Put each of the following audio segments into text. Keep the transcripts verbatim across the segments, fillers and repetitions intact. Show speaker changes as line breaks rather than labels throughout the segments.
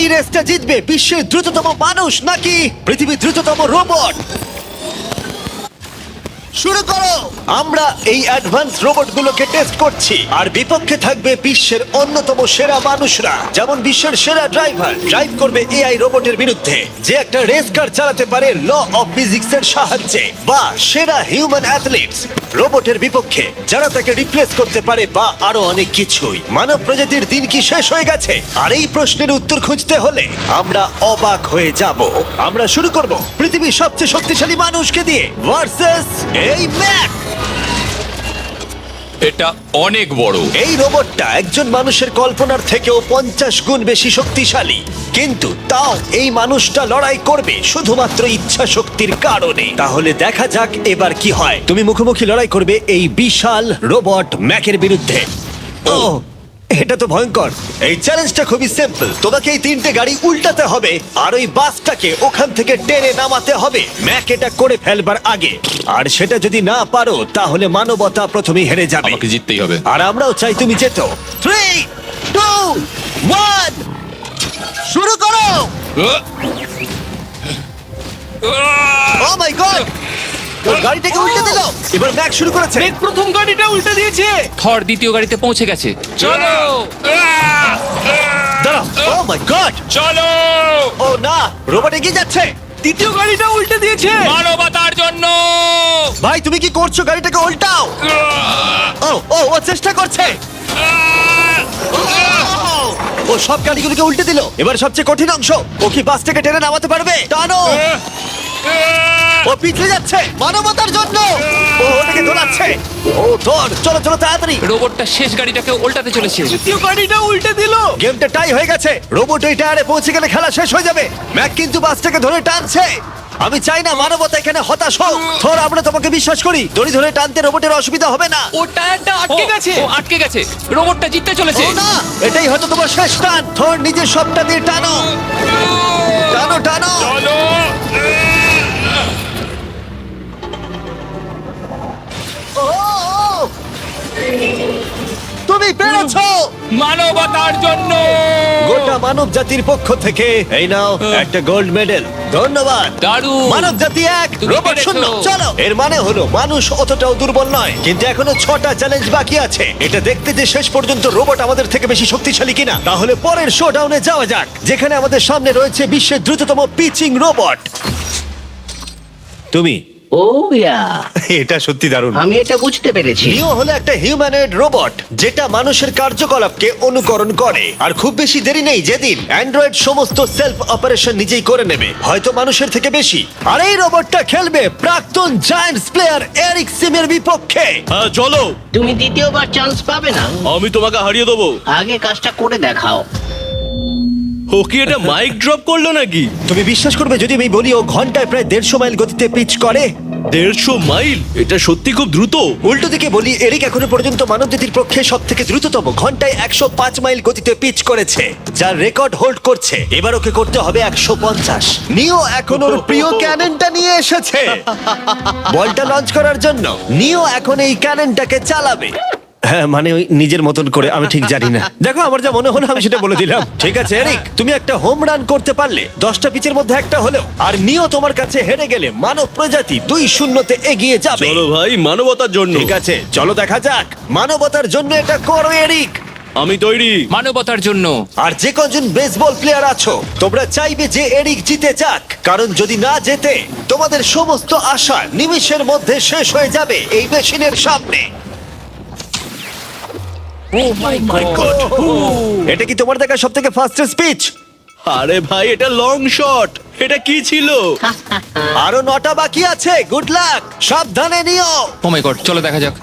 রেসটা জিতবে, বিশ্বের দ্রুততম মানুষ নাকি পৃথিবীর দ্রুততম রোবট? শুরু করো। আমরা এই অ্যাডভান্স রোবটগুলোকে টেস্ট করছি, আর বিপক্ষে থাকবে বিশ্বের অন্যতম সেরা মানুষরা, যেমন বিশ্বের সেরা ড্রাইভার ড্রাইভ করবে এআই রোবটের বিরুদ্ধে, যে একটা রেস কার চালাতে পারে ল অফ ফিজিক্স এর সাহায্যে, বা সেরা হিউম্যান অ্যাথলিটস রোবটের বিপক্ষে যারা তাকে রিপ্লেস করতে পারে, বা আরো অনেক কিছুই। মানব প্রজাতির দিন কি শেষ হয়ে গেছে? আর এই প্রশ্নের উত্তর খুঁজতে হলে আমরা অবাক হয়ে যাব। আমরা শুরু করব পৃথিবীর সবচেয়ে শক্তিশালী মানুষকে দিয়ে ভার্সেস এই ম্যাক।
এটা অনেক বড়।
এই রোবটটা একজন মানুষের কল্পনার থেকেও পঞ্চাশ গুণ বেশি শক্তিশালী, কিন্তু তাও এই মানুষটা লড়াই করবে শুধুমাত্র ইচ্ছা শক্তির কারণে। তাহলে দেখা যাক এবার কি হয়। তুমি মুখোমুখি লড়াই করবে এই বিশাল রোবট ম্যাকের বিরুদ্ধে। ও, এটা তো ভয়ঙ্কর। এই চ্যালেঞ্জটা খুবই সিম্পল। তোমাকে এই তিনটে গাড়ি উল্টাতে হবে, আর ওই বাসটাকে ওখান থেকে টেনে নামাতে হবে ম্যাক এটা করে ফেলবার আগে। আর সেটা যদি না পারো তাহলে মানবতা প্রথমেই হেরে যাবে।
আমাকে জিততেই হবে।
আর আমরাও চাই তুমি যেতো। থ্রি টু ওয়ান, শুরু করো। ও মাই গড, ওর গাড়িটাকে উল্টে দিল। এবার ম্যাক শুরু করেছে।
প্রথম গাড়িটা উল্টে দিয়েছে।
থর দ্বিতীয় গাড়িতে পৌঁছে গেছে।
চলো
দাঁড়াও। ও মাই গড,
চলো
ও না, রোবট এগিয়ে যাচ্ছে।
দ্বিতীয় গাড়িটা উল্টে দিয়েছে।
মানবতার জন্য।
ভাই তুমি কি করছো? গাড়িটাকে উল্টাও। ও ও ও চেষ্টা করছে। ও সব গাড়িগুলোকে উল্টে দিল। এবার সবচেয়ে কঠিন অংশ, ও কি বাসটাকে টেনে নামাতে পারবে? টানো। ও পিছলে যাচ্ছে মানবতার জন্য। ও ওটাকে দোলাচ্ছে। ও ধর, চলো চলো তাড়াতাড়ি।
রোবটটা শেষ গাড়িটাকে উল্টাতে চলেছে।
দ্বিতীয় গাড়িটা উল্টে দিল।
গেমটা টাই হয়ে গেছে। রোবট ওই টায়ারে পৌঁছে গেলে খেলা শেষ হয়ে যাবে। ম্যাক কিন্তু বাসটাকে ধরে টানছে। আমি চাই না মানবতা এখানে হতাশ হোক। থর, আমরা তোমাকে বিশ্বাস করি। দড়ি ধরে টানতে রোবটের অসুবিধা হবে না।
ও টায়ারটা আটকে
ও,
গেছে।
ও আটকে গেছে। রোবটটা জিততে চলেছে।
ও না, এটাই হয়তো তোমার শেষ টান। থর, নিজের সবটা দিয়ে টানো টানো টানো।
চলো
ও, ও, তুমি পেরেছো।
মানবতার জন্য।
গোটা মানব জাতির পক্ষ থেকে এই নাও একটা গোল্ড মেডেল। ধন্যবাদ।
দারুণ।
মানব জাতি এক,
তুমি
রোবট
পেরেছো।
শূন্য। চলো, এর মানে হলো মানুষ অতটাও দুর্বল নয়, কিন্তু এখনো ছটা চ্যালেঞ্জ বাকি আছে। এটা দেখতে যে শেষ পর্যন্ত রোবট আমাদের থেকে বেশি শক্তিশালী কিনা। তাহলে পরের শোডাউনে যাওয়া যাক, যেখানে আমাদের সামনে রয়েছে বিশ্বের দ্রুততম পিচিং রোবট। তুমি
ও ইয়া,
এটা সত্যি দারুণ।
আমি এটা বুঝতে পেরেছি।
নিও হলো একটা হিউম্যানয়েড রোবট যেটা মানুষের কার্যকলাপকে অনুকরণ করে। আর খুব বেশি দেরি নেই যেদিন অ্যান্ড্রয়েড সমস্ত সেলফ অপারেশন নিজেই করে নেবে, হয়তো মানুষের থেকে বেশি। আর এই রোবটটা খেলবে প্রাক্তন জায়ান্টস প্লেয়ার এরিক সিমের বিপক্ষে।
হ্যাঁ চলো,
তুমি দ্বিতীয়বার চান্স পাবে না।
আমি তোমাকে হারিয়ে দেবো।
আগে কাজটা করে দেখাও।
ও কি এটা মাইক ড্রপ করলো নাকি?
তুমি বিশ্বাস করবে যদি আমি বলি ও ঘন্টায় প্রায় দেড়শো মাইল গতিতে পিচ করে?
দেড়শো মাইল? এটা সত্যি খুব দ্রুত।
উল্টো দিকে বলি, এরিক এখনো পর্যন্ত মানবজাতির পক্ষে সব থেকে দ্রুততম ঘন্টায় একশো পাঁচ মাইল গতিতে পিচ করেছে, যার রেকর্ড হোল্ড করছে। এবার ওকে করতে হবে একশো পঞ্চাশ। নিও এখন ওর প্রিয় ক্যাননটা নিয়ে এসেছে বলটা লঞ্চ করার জন্য। নিও এখন এই ক্যাননটাকে চালাবে। হ্যাঁ, মানে ওই নিজের মতন করে, আমি ঠিক জানি না। দেখো, আমার যা মনে হলো আমি সেটা বলে দিলাম। ঠিক আছে এরিক, তুমি একটা হোম রান করতে পারলে দশটা পিচের মধ্যে একটা হলেও, আর নিও তোমার কাছে হেরে গেলে মানব প্রজাতি দুই শূন্যতে এগিয়ে যাবে।
চলো ভাই, মানবতার জন্য।
ঠিক আছে, চলো দেখা যাক। মানবতার জন্য এটা করো এরিক।
আমি তৈরি।
মানবতার জন্য।
আর যে কজন বেসবল প্লেয়ার আছো, তোমরা চাইবে যে এরিক জিতে যাক, কারণ যদি না জেতে তোমাদের সমস্ত আশা নিমিষের মধ্যে শেষ হয়ে যাবে এই মেশিনের সামনে।
Oh my god.
এটা কি তোমার দেখা সব থেকে ফাস্টেস্ট স্পিচ?
আরে ভাই, এটা লং শট। এটা কি ছিল?
আরো নটা বাকি আছে। গুড লাক, সাবধানে নিও।
ও মাই গড, চলো দেখা যাক।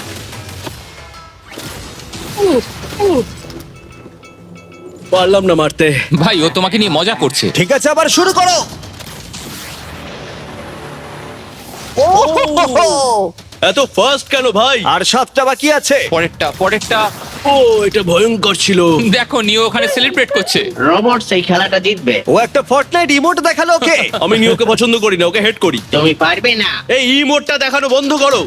পারলাম না মারতে।
ভাই, ও তোমাকে নিয়ে মজা করছে।
ঠিক আছে, আবার শুরু করো। ও,
এত ফাস্ট কেন ভাই?
আর সাতটা বাকি আছে।
পরেরটা পরেরটা।
ও, এটা ভয়ঙ্কর ছিল।
দেখো, নিও ওখানে সেলিব্রেট করছে।
রোবট সেই খেলাটা জিতবে।
ও একটা ফর্টনাইট ইমোট দেখালো ওকে।
আমি নিওকে পছন্দ করি না, ওকে হেড করি।
তুমি পারবে না।
এই ইমোটটা দেখানো বন্ধ করো।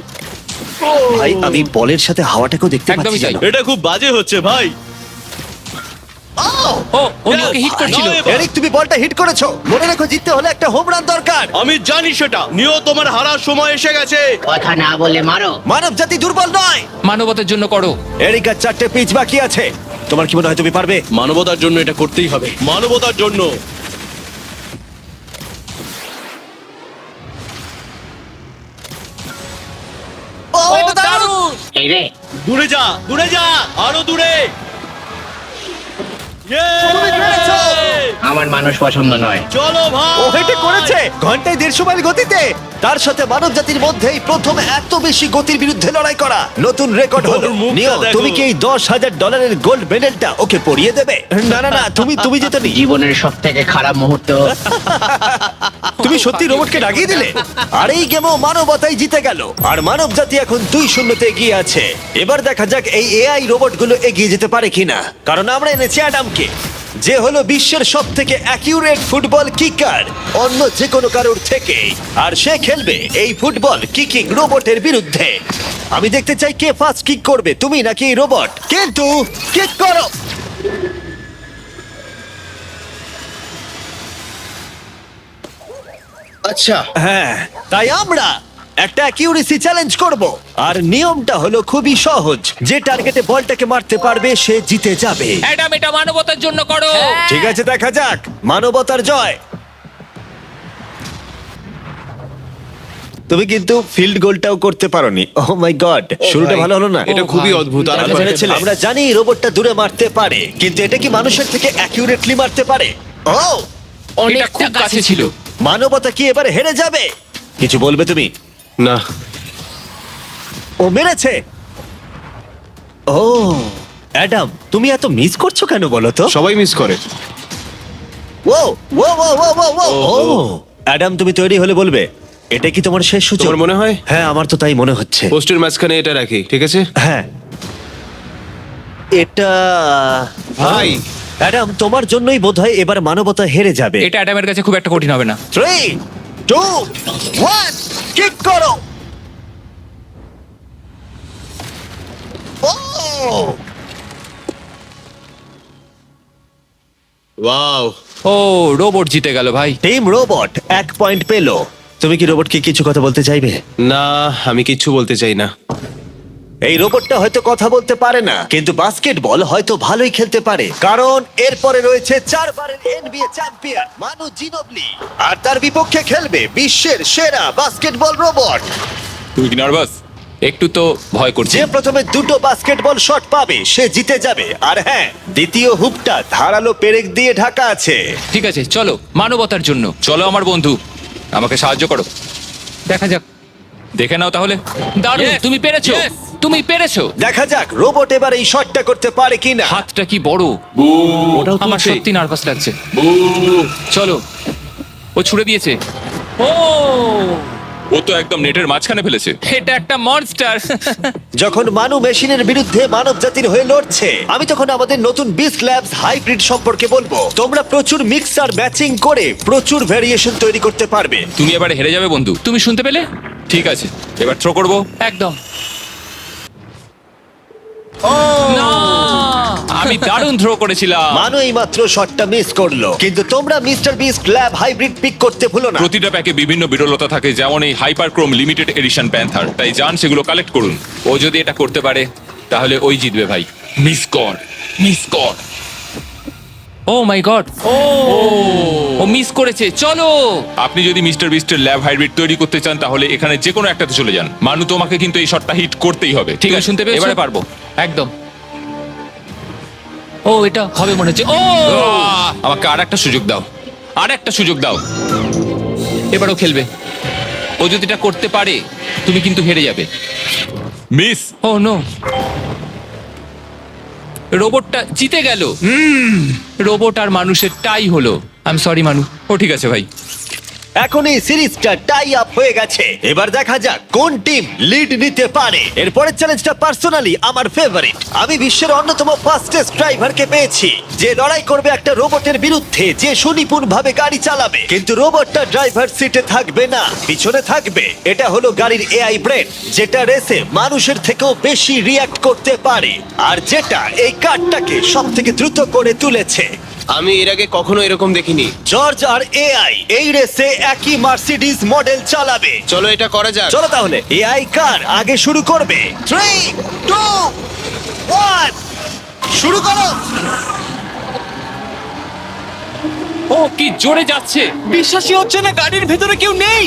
ভাই, আমি বলের সাথে হাওয়াটাকেও দেখতে
একদমই
পাচ্ছি
তাই।
জানো।
এটা খুব বাজে হচ্ছে ভাই।
ও ও নিওকে হিট করছিল।
না, এবার-
এরিক তুমি বলটা হিট করেছো, মনে রেখো জিততে হলে একটা হোম রান দরকার।
আমি জানি সেটা। নিও, তোমার হারার সময় এসে গেছে।
কথা না বলে মারো।
মানব জাতি দুর্বল নয়।
মানবতার জন্য করো।
এরিক আর চারটে পিচ বাকি আছে, তোমার কি মনে হয় তুমি পারবে?
মানবতার জন্য এটা করতেই হবে, মানবতার জন্য।
ও
ও,
এটা দারুণ!
দারুণ!
এই রে,
দূরে যা, দূরে যা, আরো দূরে।
তুমি পেরেছো!
আমার মানুষ পছন্দ নয়।
চলো ভাই।
ও এটা করেছে ঘন্টায় দেড়শো মাইল গতিতে। তার সাথে মানব জাতির মধ্যেই প্রথম এত বেশি গতির বিরুদ্ধে লড়াই করা নতুন রেকর্ড হলো।
ওর মুখটা
নিও,
দেখো।
তুমি কি এই দশ হাজার ডলারের গোল্ড মেডেলটা ওকে পরিয়ে দেবে? না না না, তুমি তুমি যেতে নি।
জীবনের সব থেকে খারাপ মুহূর্ত।
তুমি সত্যি রোবটকে ডাকিয়ে দিলে। আর এই গেমও মানবতাই জিতে গেল, আর মানব জাতি এখন দুই শূন্যতে এগিয়ে আছে। এবার দেখা যাক এই এআই রোবটগুলো এগিয়ে যেতে পারে কিনা, কারণ আমরা এনেছি অ্যাডামকে, যে হলো বিশ্বের সব থেকে অ্যাকিউরেট ফুটবল কিকার অন্য যে কোনো কারোর থেকে। আর সে খেলবে এই ফুটবল কিকিং রোবটের বিরুদ্ধে। আমি দেখতে চাই কে ফার্স্ট কিক করবে, তুমি নাকি এই রোবট। কিন্তু কিক করো।
আচ্ছা,
হ্যাঁ, তাই আমরা একটা অ্যাকিউরেসি চ্যালেঞ্জ করব, আর নিয়মটা হলো খুবই সহজ। যে টার্গেটে বলটাকে মারতে পারবে সে জিতে যাবে।
অ্যাডাম, এটা মানবতার জন্য করো।
ঠিক আছে, দেখা যাক মানবতার জয়। তুমি কিন্তু ফিল্ড গোলটাও করতে পারোনি। ও মাই গড, শুরুটা ভালো হলো না।
এটা খুবই অদ্ভুত। আর
ভালো ছেলে। আমরা জানি এই রোবটটা দূরে মারতে পারে, কিন্তু এটা কি মানুষের থেকে অ্যাকিউরেটলি মারতে পারে? ও,
এটা খুব কাছে ছিল।
মানবতা কি এবারে হেরে যাবে? কিছু বলবে তুমি?
না,
ও মেরেছে। ও অ্যাডাম, তুমি এত মিস করছো কেন বলো তো?
সবাই মিস করে।
ও ও ও ও ও ও ও অ্যাডাম, তুমি তৈরি হলে বলবে। এটা কি তোমার শেষ সূচক?
তোমার মনে হয়?
হ্যাঁ, আমার তো তাই মনে হচ্ছে।
পোস্টের মাঝখানে এটা রাখি, ঠিক আছে?
হ্যাঁ, এটা
ভাই।
অ্যাডাম, তোমার জন্যই বোধহয় এবার মানবতা হেরে যাবে।
এটা অ্যাডামের কাছে খুব একটা কঠিন হবে না।
থ্রি টু ওয়ান, কিক করো। ও
ওয়াও।
ও, রোবট জিতে গেল ভাই।
টিম রোবট এক পয়েন্ট পেলো। তুমি কি রোবটকে কিছু কথা বলতে চাইবে?
না, আমি কিচ্ছু বলতে চাই না।
এই রোবটটা হয়তো কথা বলতে পারে না, কিন্তু বাস্কেটবল হয়তো ভালোই খেলতে পারে, কারণ এরপরে রয়েছে চারবারের এনবিএ চ্যাম্পিয়ন মানু জিনোবলি, আর তার বিপক্ষে খেলবে বিশ্বের সেরা বাস্কেটবল রোবট।
তুই কি নার্ভাস? একটু তো ভয় করছে।
যে প্রথমে দুটো বাস্কেটবল শট পাবে সে জিতে যাবে। আর হ্যাঁ, দ্বিতীয় হুপটা ধারালো পেরেক দিয়ে ঢাকা আছে।
ঠিক আছে, চলো মানবতার জন্য। চলো আমার বন্ধু, আমাকে সাহায্য করো। দেখা যাক, দেখে নাও তাহলে। দারুণ,
Yes!
তুমি পেরেছো,
Yes!
তুমি পেরেছো।
দেখা যাক রোবট এবার এই শটটা করতে পারে কিনা।
হাতটা কি বড়!
ওটাও
আমার
তুলছে।
সত্যি নার্ভাস লাগছে। চলো, ও ছুড়ে দিয়েছে। ও,
ও তো একদম নেটের মাঝখানে ফেলেছে।
এটা একটা মনস্টার।
যখন মানু মেশিনের বিরুদ্ধে মানব জাতির হয়ে লড়ছে, আমি তখন আমাদের নতুন বিস্ট ল্যাবস হাইব্রিড সম্পর্কে বলবো। তোমরা প্রচুর মিক্সার ম্যাচিং করে প্রচুর ভেরিয়েশন তৈরি করতে পারবে।
তুমি এবারে হেরে যাবে বন্ধু।
তুমি শুনতে পেলে?
ঠিক আছে, এবার থ্রো করবো।
একদম। না, আমি দারুণ থ্রো করেছিলাম।
মানু এই মাত্র শটটা মিস করলো, কিন্তু তোমরা Mister Beast lab hybrid pick করতে ভুলো না।
প্রতিটা প্যাকে বিভিন্ন বিরলতা থাকে, যেমন এই হাইপারক্রোম লিমিটেড এডিশন প্যান্থার। তাই যান সেগুলো কালেক্ট করুন।
ও যদি এটা করতে পারে তাহলে ওই জিতবে ভাই।
মিস কর, মিস কর।
ও মাই গড, ও ও মিস করেছে। চলো,
আপনি যদি মিস্টার বিস্টের ল্যাব হাইব্রিড তৈরি করতে চান তাহলে এখানে যে কোনো একটাতে চলে যান। মানু, তোমাকে কিন্তু এই শটটা হিট করতেই হবে।
ঠিক আছে, শুনতে পেয়েছো?
এবারে পারবো।
একদম। ও, এটা হবে মনে হচ্ছে। ও,
আহ! আমাকে আর একটা সুযোগ দাও, আর একটা সুযোগ দাও।
এবারও খেলবে। ও যদি এটা করতে পারে তুমি কিন্তু হেরে যাবে।
মিস।
ও নো, রোবটটা জিতে গেল। রোবট আর মানুষের টাই হলো। আই এম সরি মানু।
ও ঠিক আছে ভাই।
এখন এই সিরিজটা টাই আপ হয়ে গেছে। এবার দেখা যাক কোন টিম লিড নিতে পারে। এরপরের চ্যালেঞ্জটা পার্সোনালি আমার ফেভারিট। আমি বিশ্বের অন্যতম ফাস্টেস্ট ড্রাইভারকে পেয়েছি, যে লড়াই করবে একটা রোবটের বিরুদ্ধে যে সুনিপুণ ভাবে গাড়ি চালাবে। কিন্তু রোবটটা ড্রাইভার সিটে থাকবে না, পিছনে থাকবে। এটা হলো গাড়ির এআই ব্রেন, যেটা রেসে মানুষের থেকেও বেশি রিয়্যাক্ট করতে পারে, আর যেটা এই কারটাকে সব থেকে দ্রুত করে তুলেছে।
আমি এর আগে কখনো এরকম দেখিনি।
জর্জ আর এআই এই রেসে একই মার্সিডিজ মডেল চালাবে।
চলো এটা করা যাক।
চলো তাহলে এআই কার আগে শুরু করবে। থ্রি টু ওয়ান, শুরু করো।
ও কি জোরে যাচ্ছে!
বিশ্বাসই হচ্ছে না গাড়ির ভেতরে কেউ নেই।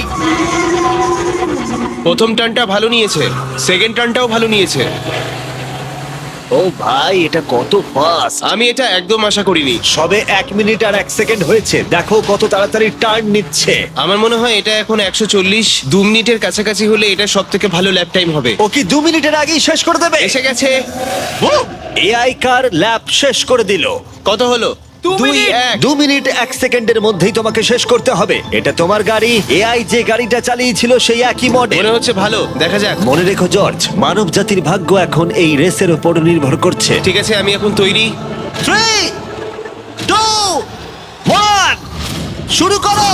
প্রথম টার্নটা ভালো নিয়েছে, সেকেন্ড টার্নটাও ভালো নিয়েছে।
ও ভাই, এটা কত ফাস্ট!
আমি এটা একদম আশা করিনি।
সবে এক মিনিট আর এক সেকেন্ড হয়েছে, দেখো কত তাড়াতাড়ি টার্ন নিচ্ছে।
আমার মনে হয় এটা এখন একশো চল্লিশ দু মিনিটের কাছাকাছি হলে এটা সব থেকে ভালো ল্যাপ টাইম হবে।
ও কি দু মিনিটের আগেই শেষ করে দেবে?
এসে গেছে।
এআই কার ল্যাব শেষ করে দিল।
কত হলো?
দু
দুই
মিনিট।
এক।
দু মিনিট এক সেকেন্ডের মধ্যেই তোমাকে শেষ করতে হবে। এটা তোমার গাড়ি, এআই যে গাড়িটা চালিয়েছিল সেই একই মডেল।
মনে হচ্ছে ভালো, দেখা যাক।
মনে রেখো জর্জ, মানব জাতির ভাগ্য এখন এই রেসের উপর নির্ভর করছে।
ঠিক আছে, আমি এখন তৈরি।
থ্রি টু ওয়ান, শুরু করো।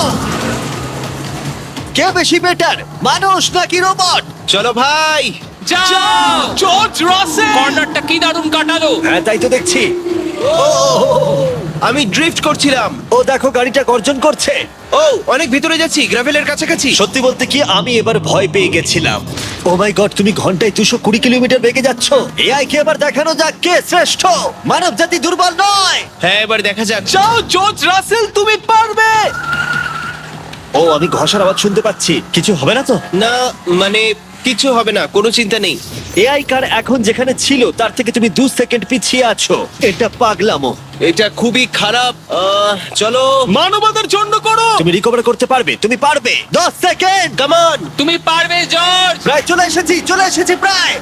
কে বেশি বেটার, মানুষ নাকি রোবট?
চলো ভাই।
যাও!
জর্জ রাসেল।
কর্নারটা কি দারুণ কাটালো!
হ্যাঁ, তাই তো দেখছি।
আমি ড্রিফট করছিলাম।
ও দেখো, গাড়িটা গর্জন করছে।
ও অনেক ভিতরে যাচ্ছি, গ্রাভেলের কাছাকাছি।
সত্যি বলতে কি, আমি এবার ভয় পেয়ে গেছিলাম। ও মাই গড, তুমি ঘন্টায় দুশো কুড়ি কিলোমিটার বেগে যাচ্ছ। এআই কে এবার দেখানো যাক কে শ্রেষ্ঠ। মানব জাতি দুর্বল নয়।
হ্যাঁ, এবার দেখা যাক।
যাও জর্জ রাসেল, তুমি পারবে।
ও, আমি ঘষার আওয়াজ শুনতে পাচ্ছি। কিছু হবে না তো?
না, মানে কিছু হবে না, কোনো চিন্তা নেই।
এআই কার এখন যেখানে ছিল তার থেকে তুমি দু সেকেন্ড পিছিয়ে আছো। এটা পাগলামো।
এটা খুবই খারাপ। আহ, চলো।
মানবতার জন্য করো।
তুমি রিকভার করতে পারবে, তুমি পারবে। দশ সেকেন্ড, কাম অন।
তুমি পারবে জর্জ!
প্রায় চলে এসেছি, চলে এসেছি প্রায়।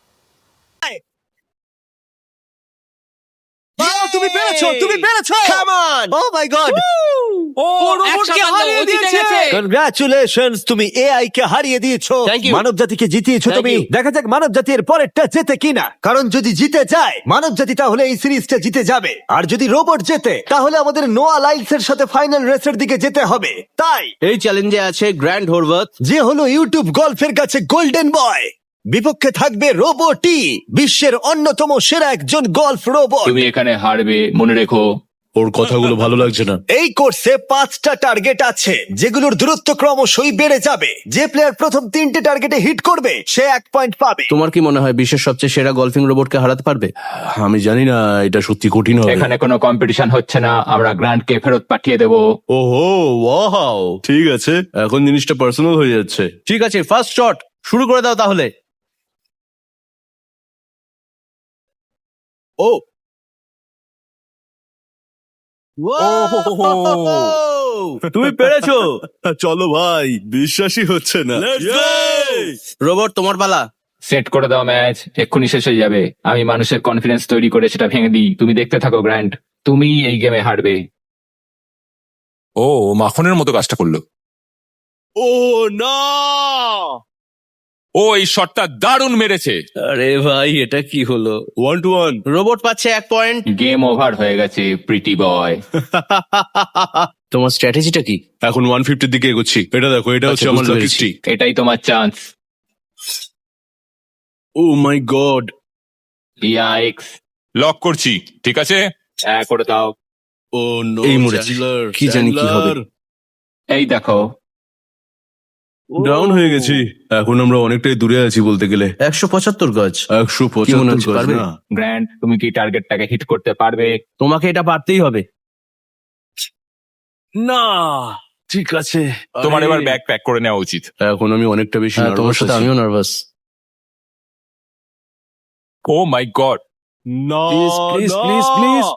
ও, তুমি পেরেছো, তুমি পেরেছো।
Come on!
Oh my god,
ও
ও
এক
রোবটকে
সাতান্ন,
হারিয়ে
ও জিতে
দিয়েছে।
গেছে।
কনগ্রাচুলেশনস, তুমি এআই কে হারিয়ে দিয়েছো।
Thank you.
মানব জাতিকে জিতিয়েছো
Thank
তুমি।
you.
দেখা যাক মানব জাতির পরেরটা জেতে কিনা। কারণ যদি জিতে যায় মানব জাতি, তাহলে এই সিরিজটা জিতে যাবে। আর যদি রোবট জেতে, তাহলে আমাদের নোয়া লাইলস এর সাথে ফাইনাল রেসের দিকে যেতে হবে। তাই
এই চ্যালেঞ্জে আছে গ্র্যান্ড হোরভাত।
যে হলো ইউটিউব গল্ফের কাছে গোল্ডেন বয়, বিপক্ষে থাকবে রোবটই, বিশ্বের অন্যতম সেরা একজন গল্ফ রোবট।
তুমি এখানে হারবে, মনে রেখো।
ওর কথাগুলো ভালো লাগছে না।
এই কোর্সে পাঁচটা টার্গেট আছে, যেগুলোর দূরত্ব ক্রমশই বেড়ে যাবে। যে প্লেয়ার প্রথম তিনটে টার্গেটে হিট করবে সে এক পয়েন্ট পাবে।
তোমার কি মনে হয় বিশ্বের সবচেয়ে সেরা গলফিং রোবটকে হারাতে পারবে?
আমি জানি না, এটা সত্যি কঠিন হবে।
এখানে কোনো কম্পিটিশন হচ্ছে না, আমরা গ্র্যান্ডকে ফেরত পাঠিয়ে দেব।
ওহো, ওয়াও, ঠিক আছে, এখন জিনিসটা পার্সোনাল হয়ে যাচ্ছে।
ঠিক আছে, ফার্স্ট শট শুরু করে দাও তাহলে।
ও
তুমি পেরেছো।
চলো ভাই, বিশ্বাসই হচ্ছে না।
রোবট, তোমার পালা।
সেট করে দাও ম্যাচ, এক্ষুনি শেষ হয়ে যাবে। আমি মানুষের কনফিডেন্স তৈরি করে সেটা ভেঙে দিই। তুমি দেখতে থাকো গ্র্যান্ড, তুমি এই গেমে হারবে।
ও ও মাখনের মতো কাজটা করলো।
ও না,
ও এই শটটা দারুণ মেরেছে।
আরে ভাই, এটা কি হলো?
One two one.
রোবট পাচ্ছে এক পয়েন্ট।
গেম ওভার হয়ে গেছে প্রিটি বয়।
তোমার স্ট্র্যাটেজিটা কি?
এখন ওয়ান ফিফটির দিকে এগোচ্ছি। এটা দেখো, এটা হচ্ছে
আচ্ছা,
আমার
বুঝতে
লাকি
পেরেছি।
স্ট্রিক।
এটাই তোমার chance.
Oh my god,
yikes,
lock করছি, ঠিক আছে।
হ্যাঁ করে দাও।
ও নো,
এই মরেছি। কি জানি কি হবে।
এই দেখো,
ডাউন হয়ে গেছি। এখন আমরা অনেকটাই দূরে আছি বলতে গেলে।
একশো পঁচাত্তর গজ।
একশো
কি মনে
পঁচাত্তর
হচ্ছে,
গজ
পারবে?
না।
গ্র্যান্ড তুমি কি টার্গেটটাকে হিট করতে পারবে?
তোমাকে এটা পারতেই হবে।
না, ঠিক আছে,
তোমার
আরে,
এবার ব্যাগ প্যাক করে নেওয়া উচিত।
এখন আমি অনেকটা বেশি
হ্যাঁ, তোমার
নার্ভাস
সাথে
আছি।
আমিও নার্ভাস।
ও মাই গড,
না,
Please, please,
না।
please, please.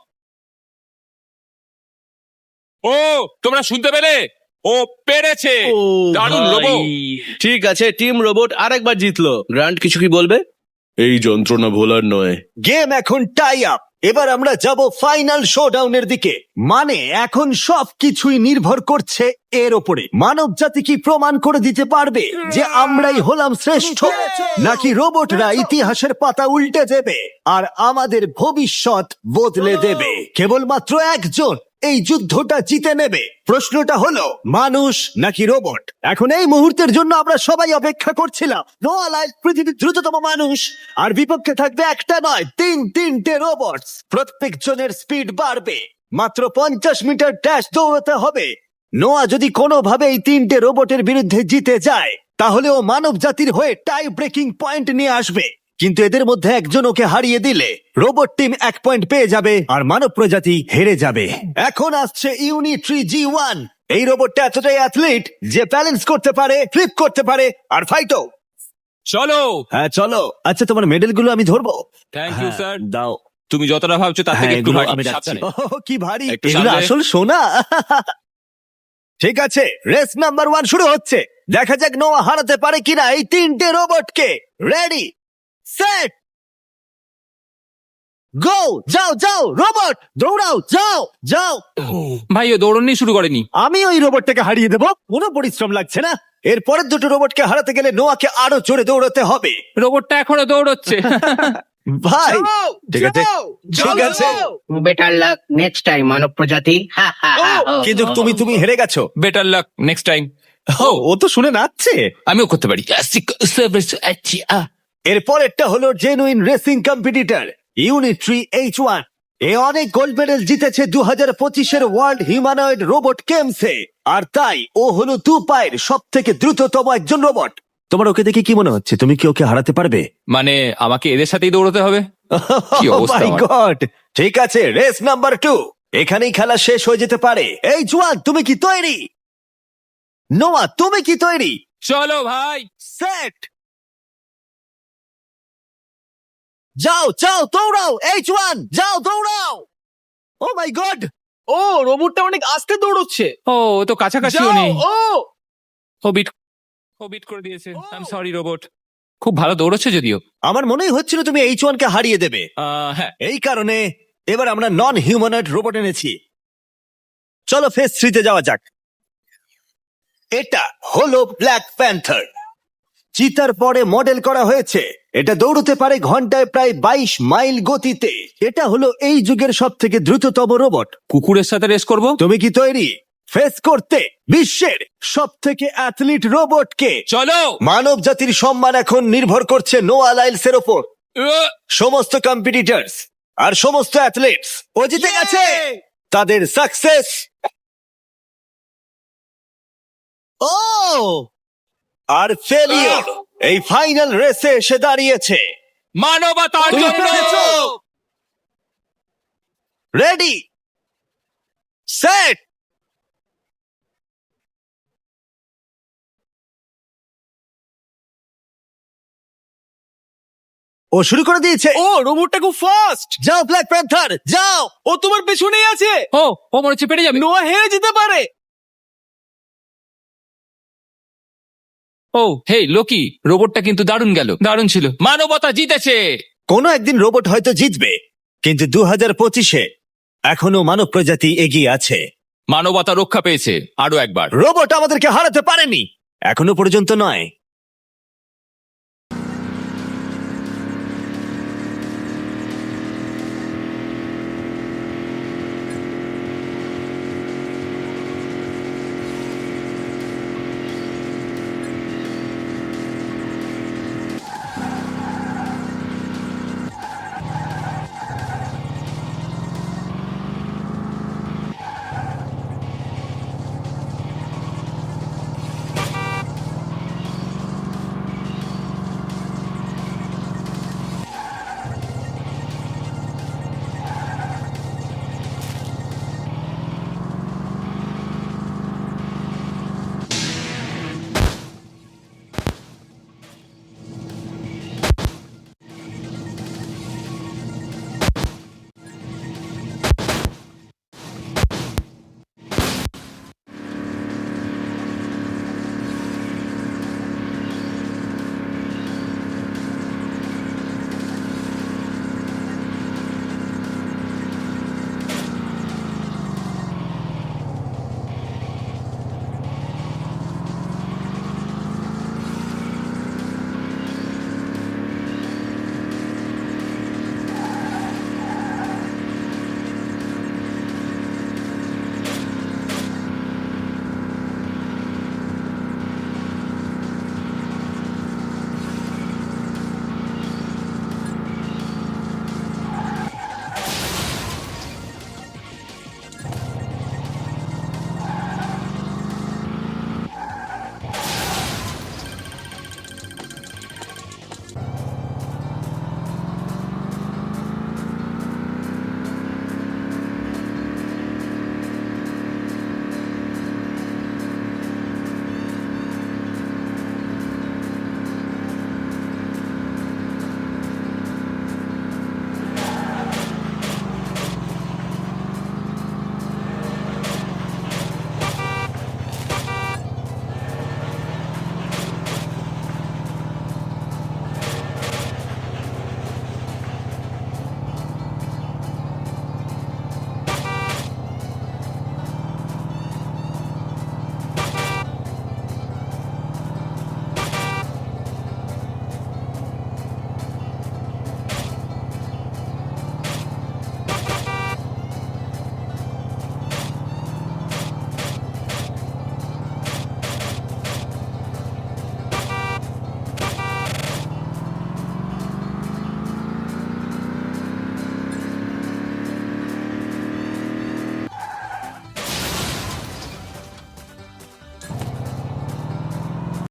ও তোমরা শুনতে পেলে? ও পেরেছে।
ও
দারুণ
ভাই।
লোবো।
ঠিক আছে, টিম রোবট আরেকবার জিতলো। গ্র্যান্ড কিছু কি বলবে?
এই যন্ত্রণা ভোলার নয়।
গেম এখন টাই আপ। এবার আমরা যাব ফাইনাল শোডাউনের দিকে। মানে এখন সবকিছুই নির্ভর করছে এর ওপরে। মানব জাতি কি প্রমাণ করে দিতে পারবে যে আমরাই হলাম শ্রেষ্ঠ, নাকি রোবটরা ইতিহাসের পাতা উল্টে দেবে আর আমাদের ভবিষ্যৎ বদলে দেবে? কেবলমাত্র একজন এই যুদ্ধটা জিতে নেবে। প্রশ্নটা হলো মানুষ নাকি রোবট। এখন এই মুহূর্তের জন্য আমরা সবাই অপেক্ষা করছিলাম। নোয়া লাইল পৃথিবীর দ্রুততম মানুষ, আর বিপক্ষে থাকবে একটা নয় তিন তিনটে রোবট। প্রত্যেক জনের স্পিড বাড়বে। মাত্র পঞ্চাশ মিটার ড্যাশ দৌড়াতে হবে। নোয়া যদি কোনোভাবে এই তিনটে রোবটের বিরুদ্ধে জিতে যায়, তাহলে ও মানব জাতির হয়ে টাই ব্রেকিং পয়েন্ট নিয়ে আসবে। কিন্তু এদের মধ্যে একজন ওকে হারিয়ে দিলে রোবট টিম এক পয়েন্ট পেয়ে যাবে আর মানব প্রজাতি হেরে যাবে। এখন আসছে ইউনিট্রি জি ওয়ান। এই রোবটটা এতটাই অ্যাথলিট যে ব্যালেন্স করতে পারে, ফ্লিপ করতে পারে আর ফাইটও।
চলো।
হ্যাঁ চলো। আচ্ছা, তোমার মেডেল গুলো আমি ধরবো?
Thank you sir.
দাও।
তুমি যতটা ভাবছো তার
হ্যাঁ,
থেকে একটু
এগুলো
ভারী।
আমি রাখছি।
সাবধানে।
ওহ, কি ভারী।
একটু
এগুলো
সামনে।
আসল সোনা। ঠিক আছে, রেস নাম্বার ওয়ান শুরু হচ্ছে। দেখা যাক নোয়া হারাতে পারে কিনা এই তিনটে রোবটকে। Ready, set, go. যাও যাও রোবট, দৌড়াও, যাও যাও।
ভাই ও দৌড়নি শুরু করেনি।
আমি ওই রোবটটাকে হারিয়ে দেবো, কোনো পরিশ্রম লাগছে না। এর পরের দুটো রোবটকে হারাতে গেলে নোয়াকে আরো জোরে দৌড়াতে হবে।
রোবটটা এখনো দৌড়চ্ছে।
ভাই
যাও,
ঠিক আছে,
যাও,
ঠিক
যাও,
আছে।
যাও।
বেটার লাক নেক্সট টাইম মানব প্রজাতি। হা, হা, হা, ও,
কিন্তু
ও,
তুমি
ও।
তুমি হেরে গেছো।
Better luck next time.
ও, ও তো শুনে নাচছে।
আমিও করতে পারি।
এর পরেরটা হলো genuine racing competitor Unitree H one. এ অনেক গোল্ড মেডেল জিতেছে দু হাজার পঁচিশের ওয়ার্ল্ড হিউম্যানয়েড রোবট গেমসে, আর তাই ও হলো দু পায়ের সব থেকে দ্রুততম একজন রোবট। তোমার ওকে দেখে কি মনে হচ্ছে? তুমি কি ওকে হারাতে পারবে?
মানে আমাকে এদের সাথেই দৌড়তে হবে? কি অবস্থা আমার।
গড, ঠিক আছে, রেস নাম্বার টু। এখানেই খেলা শেষ হয়ে যেতে পারে। এই জোয়ান, তুমি কি তৈরি? নোয়া, তুমি কি তৈরি?
চলো ভাই।
সেট, যাও যাও দৌড়াও। এইচ ওয়ান, যাও দৌড়াও। ও মাই গড,
ও রোবটটা অনেক আস্তে দৌড়চ্ছে।
ও ও তো কাছাকাছিও
যাও,
নেই।
ও
ও বিট ও বিট করে দিয়েছে। I am sorry robot. খুব ভালো দৌড়চ্ছে যদিও।
আমার মনেই হচ্ছিল তুমি এইচ ওয়ান কে হারিয়ে দেবে।
আহ, হ্যাঁ।
এই কারণে এবার আমরা নন হিউম্যানয়েড রোবট এনেছি। চলো ফেজ থ্রিতে যাওয়া যাক। এটা হলো ব্ল্যাক প্যান্থার। চিতার পরে মডেল করা হয়েছে। এটা দৌড়তে পারে ঘন্টায় প্রায় বাইশ মাইল গতিতে। এটা হলো এই যুগের সব থেকে দ্রুততম রোবট।
কুকুরের সাথে রেস করব।
তুমি কি তৈরি ফেস করতে বিশ্বের সব থেকে অ্যাথলিট রোবটকে?
চলো।
মানব জাতির সম্মান এখন নির্ভর করছে নোয়া লাইলসের ওপর।
আহ,
সমস্ত কম্পিটিটরস আর সমস্ত অ্যাথলেটস ও জিতে গেছে। তাদের সাকসেস ও আর ফেলিওর এই ফাইনাল রেসে এসে দাঁড়িয়েছে।
মানবতার
তুমি
জন্য।
পেরেছো। রেডি, সেট, ও শুরু করে দিয়েছে।
ও রোবটটা খুব ফাস্ট।
যাও ব্ল্যাক প্যান্থার, যাও।
ও তোমার পেছনেই আছে।
ও ও মনে হচ্ছে পেরে যাবে।
নোয়া হেরে যেতে পারে।
ও হে লোকি, রোবটটা কিন্তু দারুণ গেল। দারুণ ছিল। মানবতা জিতেছে।
কোনো একদিন রোবট হয়তো জিতবে, কিন্তু দু হাজার পঁচিশে এখনো মানব প্রজাতি এগিয়ে আছে।
মানবতা রক্ষা পেয়েছে আরো একবার।
রোবট আমাদেরকে হারাতে পারেনি এখনো পর্যন্ত নয়।